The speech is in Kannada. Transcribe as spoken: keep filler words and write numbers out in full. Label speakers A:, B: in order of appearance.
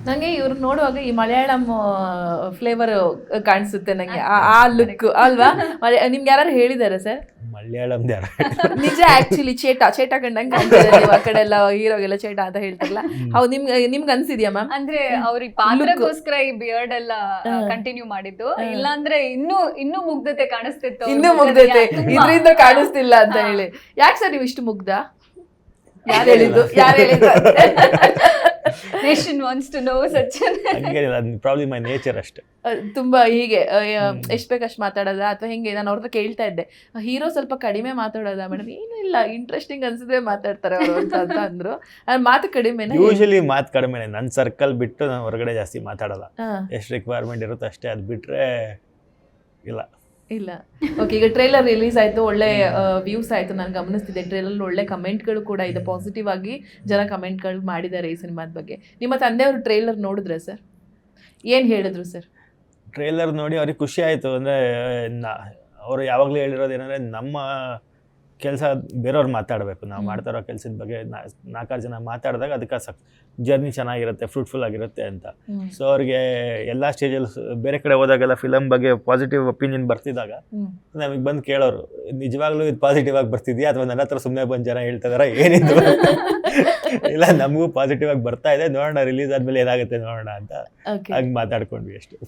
A: ನಂಗೆ ಇವ್ರು ನೋಡುವಾಗ ಈ ಮಲಯಾಳಂ ಫ್ಲೇವರ್ ಕಾಣಿಸುತ್ತೆ ನಂಗೆ, ಆ ಲುಕ್ ಅಲ್ವಾ? ನಿಮ್ಗೆ ಯಾರು ಹೇಳಿದಾರೆ ಸರ್?
B: ಮಲಯಾಳಂ ಯಾರು
A: ನಿಜ, ಆಕ್ಚುಲಿ ಚೇಟ ಚೇಟ ಕಂಡಂಗೆ ಕಾಣ್ತಿದೆ ನೀವು ಆ ಕಡೆ ಎಲ್ಲ, ಹೀರೋಗೆಲ್ಲ ಚೇಟ ಅಂತ ಹೇಳ್ತಾರಲ್ಲ, ಹೌದು ನಿಮ್ಗೆ ನಿಮ್ಗೆ ಅನ್ಸಿದ್ಯಾ ಮ್ಯಾಮ್?
C: ಅಂದ್ರೆ ಅವ್ರಿಗೆ ಪಾತ್ರಕ್ಕೋಸ್ಕರ ಈ ಬಿಯರ್ಡ್ ಎಲ್ಲ ಕಂಟಿನ್ಯೂ ಮಾಡಿದ್ದು, ಇಲ್ಲಾಂದ್ರೆ ಇನ್ನೂ ಇನ್ನೂ ಮುಗ್ಧತೆ ಕಾಣಿಸ್ತಿತ್ತು.
A: ಇನ್ನೂ ಮುಗ್ಧತೆ ಇದರಿಂದ ಕಾಣಿಸ್ತಿಲ್ಲ ಅಂತ ಹೇಳಿ. ಯಾಕೆ ಸರ್ ನೀವು ಇಷ್ಟು ಮುಗ್ಧ? ಯಾರು ಹೇಳಿದ್ದು? ಯಾರು ಹೇಳಿದ್ದು?
C: Nation wants to know Sachin.
B: ಹಂಗೇನಿಲ್ಲ, ಅದು ಪ್ರಾಬ್ಲಿ ಮೈ ನೇಚರ್ ಅಷ್ಟೇ.
A: ತುಂಬಾ ಹೀಗೆ ಎಷ್ಟು ಬೇಕಷ್ಟು ಮಾತಾಡೋದ ಅಥವಾ ಹೆಂಗೆ? ನಾನು ಅವ್ರದ್ದು ಕೇಳ್ತಾ ಇದ್ದೆ, ಹೀರೋ ಸ್ವಲ್ಪ ಕಡಿಮೆ ಮಾತಾಡೋದ ಮೇಡಮ್? ಏನೂ ಇಲ್ಲ, ಇಂಟ್ರೆಸ್ಟಿಂಗ್ ಅನ್ಸಿದ್ರೆ ಮಾತಾಡ್ತಾರೆ ಅವರು ಅಂತ ಅಂತ ಅಂದ್ರು. ಮಾತು ಕಡಿಮೆನೇ?
B: ಯೂಶಲಿ ಮಾತು ಕಡಿಮೆನೆ, ನನ್ನ ಸರ್ಕಲ್ ಬಿಟ್ಟು ನಾನು ಹೊರಗಡೆ ಜಾಸ್ತಿ ಮಾತಾಡಲ್ಲ. ಎಷ್ಟು ರಿಕ್ವೈರ್ಮೆಂಟ್ ಇರುತ್ತೆ ಅಷ್ಟೇ, ಅದು ಬಿಟ್ಟರೆ ಇಲ್ಲ
A: ಇಲ್ಲ. ಓಕೆ, ಈಗ ಟ್ರೇಲರ್ ರಿಲೀಸ್ ಆಯಿತು, ಒಳ್ಳೆ ವ್ಯೂಸ್ ಆಯಿತು, ನಾನು ಗಮನಿಸ್ತಿದ್ದೆ. ಟ್ರೇಲರ್ ಒಳ್ಳೆ ಕಮೆಂಟ್ಗಳು ಕೂಡ ಇದೆ, ಪಾಸಿಟಿವ್ ಆಗಿ ಜನ ಕಮೆಂಟ್ಗಳು ಮಾಡಿದ್ದಾರೆ ಈ ಸಿನಿಮಾದ ಬಗ್ಗೆ. ನಿಮ್ಮ ತಂದೆಯವರು ಟ್ರೇಲರ್ ನೋಡಿದ್ರೆ ಸರ್ ಏನು ಹೇಳಿದ್ರು ಸರ್?
B: ಟ್ರೇಲರ್ ನೋಡಿ ಅವ್ರಿಗೆ ಖುಷಿ ಆಯಿತು. ಅಂದರೆ ನಾ ಅವರು ಯಾವಾಗಲೂ ಹೇಳಿರೋದು ಏನಂದರೆ, ನಮ್ಮ ಕೆಲಸ ಬೇರೆಯವ್ರು ಮಾತಾಡಬೇಕು, ನಾವು ಮಾಡ್ತಾ ಇರೋ ಕೆಲಸದ ಬಗ್ಗೆ ನಾಲ್ಕಾರು ಜನ ಮಾತಾಡಿದಾಗ ಅದಕ್ಕೆ ಸಕ್ ಜರ್ನಿ ಚೆನ್ನಾಗಿರುತ್ತೆ, ಫ್ರೂಟ್ಫುಲ್ ಆಗಿರುತ್ತೆ ಅಂತ. ಸೊ ಅವ್ರಿಗೆ ಎಲ್ಲ ಸ್ಟೇಜಲ್ಲಿ ಬೇರೆ ಕಡೆ ಹೋದಾಗೆಲ್ಲ ಫಿಲಮ್ ಬಗ್ಗೆ ಪಾಸಿಟಿವ್ ಒಪಿನಿಯನ್ ಬರ್ತಿದ್ದಾಗ ನಮಗೆ ಬಂದು ಕೇಳೋರು, ನಿಜವಾಗ್ಲೂ ಇದು ಪಾಸಿಟಿವ್ ಆಗಿ ಬರ್ತಿದ್ಯಾ ಅಥವಾ ನನ್ನ ಹತ್ರ ಸುಮ್ಮನೆ ಬಂದು ಜನ ಹೇಳ್ತಾ ಇದಾರೆ ಏನಿದು? ಇಲ್ಲ, ನಮಗೂ ಪಾಸಿಟಿವ್ ಆಗಿ ಬರ್ತಾ ಇದೆ, ನೋಡೋಣ ರಿಲೀಸ್ ಆದಮೇಲೆ ಏನಾಗುತ್ತೆ ನೋಡೋಣ ಅಂತ ಹಾಗೆ ಮಾತಾಡ್ಕೊಂಡ್ವಿ ಅಷ್ಟು.